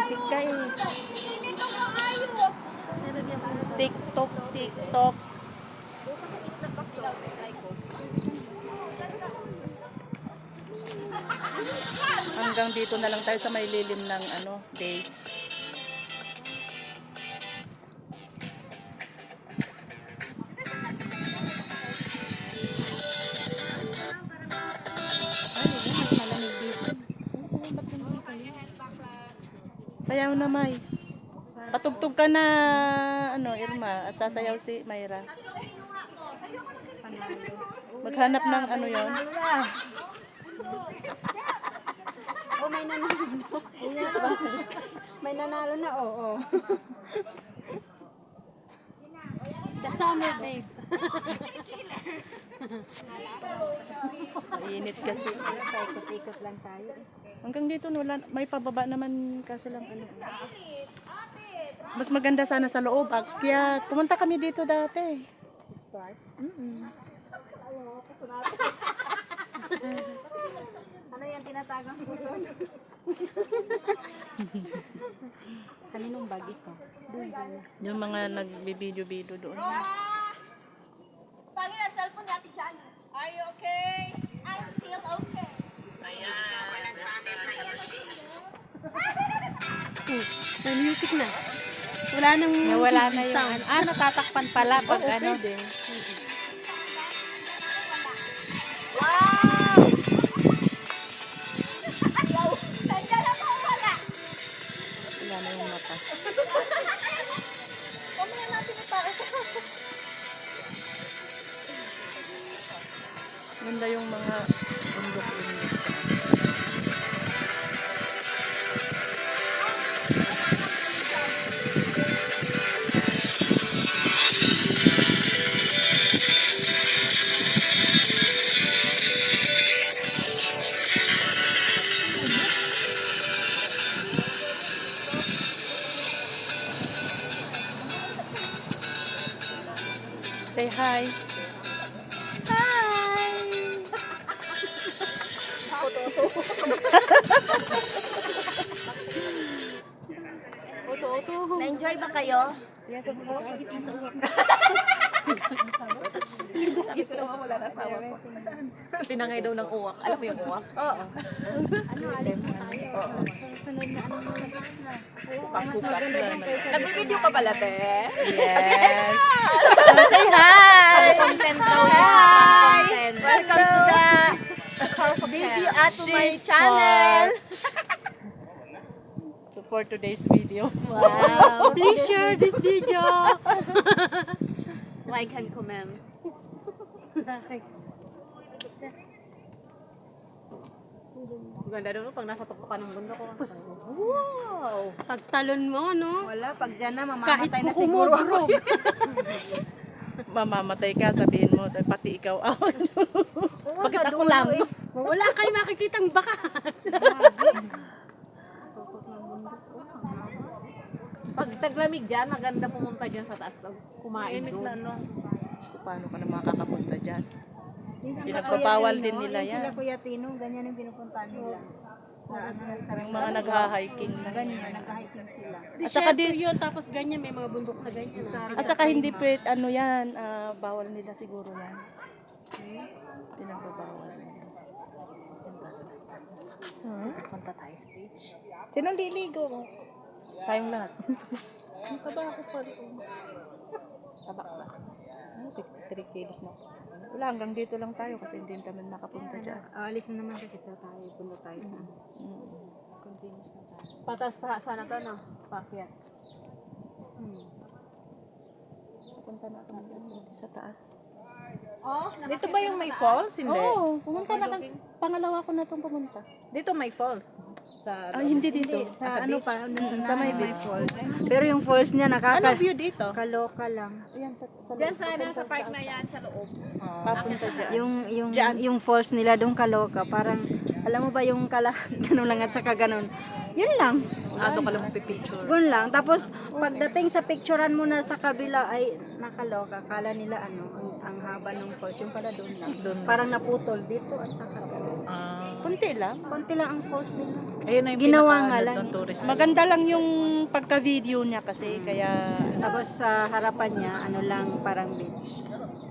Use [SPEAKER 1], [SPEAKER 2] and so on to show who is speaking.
[SPEAKER 1] music ka eh. TikTok, TikTok. Hanggang dito na lang tayo sa may lilim ng ano, dates. Sayaw na, May. Patugtog ka na, ano, Irma, at sasayaw si Mayra. Maghanap ng ano yon.
[SPEAKER 2] Oh, may nanalo. May nanalo na, oo. The summer babe.
[SPEAKER 1] Mainit kasi.
[SPEAKER 2] Ikot-ikot lang tayo.
[SPEAKER 1] Hanggang dito, wala, may pababa naman kasi lang ano. Mas maganda sana sa loob. Kaya pumunta kami dito dati.
[SPEAKER 2] Spark. Ano yan, tinatagang puso? Kaninong bag ito?
[SPEAKER 1] Yung mga nagbibideo-video doon.
[SPEAKER 3] Pangin ang cellphone natin dyan. Are you okay? I'm still okay.
[SPEAKER 2] May music na. Wala nang
[SPEAKER 1] Nawala na yung
[SPEAKER 2] sounds.
[SPEAKER 1] natatakpan pala pag ano.
[SPEAKER 3] Wow! Nandiyan ako wala.
[SPEAKER 1] Wala na yung mata.
[SPEAKER 3] Mamaya natin ipara sa
[SPEAKER 1] Ganda yung mga bundok-bundok. Say hi.
[SPEAKER 3] Na-enjoy ba kayo?
[SPEAKER 1] Yes, of course.
[SPEAKER 4] Sabi ko naman wala na asawa ko. Tinangay daw ng uwak. Alam mo yung uwak? Oo.
[SPEAKER 2] Ano, alis na tayo. Sa sunod na ano na na. Mas maganda din kayo sa
[SPEAKER 4] Nag-video ka pala, te?
[SPEAKER 1] Yes. Say hi.
[SPEAKER 4] Content daw
[SPEAKER 3] Hi!
[SPEAKER 4] Content.
[SPEAKER 3] Welcome to the video at to my channel.
[SPEAKER 1] For today's video.
[SPEAKER 2] Wow. Please share this video.
[SPEAKER 4] Like and comment. Ganda doon pag nasa tuktok ka ng bundok ko. Wow!
[SPEAKER 2] Pagtalon mo, no?
[SPEAKER 3] Wala, pag dyan na,
[SPEAKER 2] Kahit
[SPEAKER 3] mamamatay na siguro ako.
[SPEAKER 1] Mamamatay ka, sabihin mo, pati ikaw out. Bakit ako lang?
[SPEAKER 2] Wala kayo makikitang bakas.
[SPEAKER 4] Pag taglamig dyan, maganda pumunta dyan sa taas. Kumain
[SPEAKER 1] Init na,
[SPEAKER 4] doon.
[SPEAKER 1] no? Paano ka na makakapunta dyan? Pinagpapawal din nila
[SPEAKER 3] Sila
[SPEAKER 1] yan.
[SPEAKER 3] Kuya Tino, ganyan ang pinupuntahan nila. Sa
[SPEAKER 1] Yung mga nagha-hiking na.
[SPEAKER 3] ganyan, nag-hiking sila.
[SPEAKER 1] At saka
[SPEAKER 2] Desierto yun, tapos ganyan, may mga bundok na ganyan.
[SPEAKER 1] At saka hindi pwede, ano yan, bawal nila siguro yan. Pinagbabawal nila.
[SPEAKER 4] Punta tayo sa beach.
[SPEAKER 1] Sinong liligo? Tayong lahat. Ang taba ako pa rin.
[SPEAKER 4] Taba ba?
[SPEAKER 1] 63 kilos na. Wala, hanggang dito lang tayo kasi hindi kami nakapunta dyan.
[SPEAKER 3] Alis na naman kasi tayo, punta tayo sa
[SPEAKER 1] Continuous na tayo.
[SPEAKER 4] Patas sana to, no? Pakyat.
[SPEAKER 1] Punta na kami dito sa taas.
[SPEAKER 4] Oh,
[SPEAKER 5] Dito ba yung may falls? Hindi.
[SPEAKER 1] Oo, pumunta na kami. Pangalawa ko na itong pumunta.
[SPEAKER 5] Dito may falls. Sa
[SPEAKER 1] Hindi dito.
[SPEAKER 3] sa ano pa,
[SPEAKER 1] Sa may beach.
[SPEAKER 3] falls. Pero yung falls niya
[SPEAKER 5] ano view dito?
[SPEAKER 3] kaloka lang.
[SPEAKER 1] Ayan, sa
[SPEAKER 4] Diyan sana sa park na yan, sa loob.
[SPEAKER 1] papunta dyan.
[SPEAKER 3] Yung falls nila doon kaloka, parang alam mo ba yung kala ganun lang at saka ganun.
[SPEAKER 2] Yun lang.
[SPEAKER 5] Doon ka lang magpipicture.
[SPEAKER 2] Yun lang. Tapos, pagdating sa picturean mo na sa kabila, ay nakaloka. Kala nila ang haba ng falls. Yung pala doon lang. Parang naputol dito at saka doon.
[SPEAKER 1] Kunti lang.
[SPEAKER 2] Konti lang ang falls nila.
[SPEAKER 5] Ayun na yung
[SPEAKER 2] Ginawa
[SPEAKER 5] pinaka-
[SPEAKER 2] nga lang.
[SPEAKER 5] ng tourist.
[SPEAKER 1] Maganda lang yung pagka-video niya kasi kaya
[SPEAKER 2] Tapos sa harapan niya, ano lang, parang beach.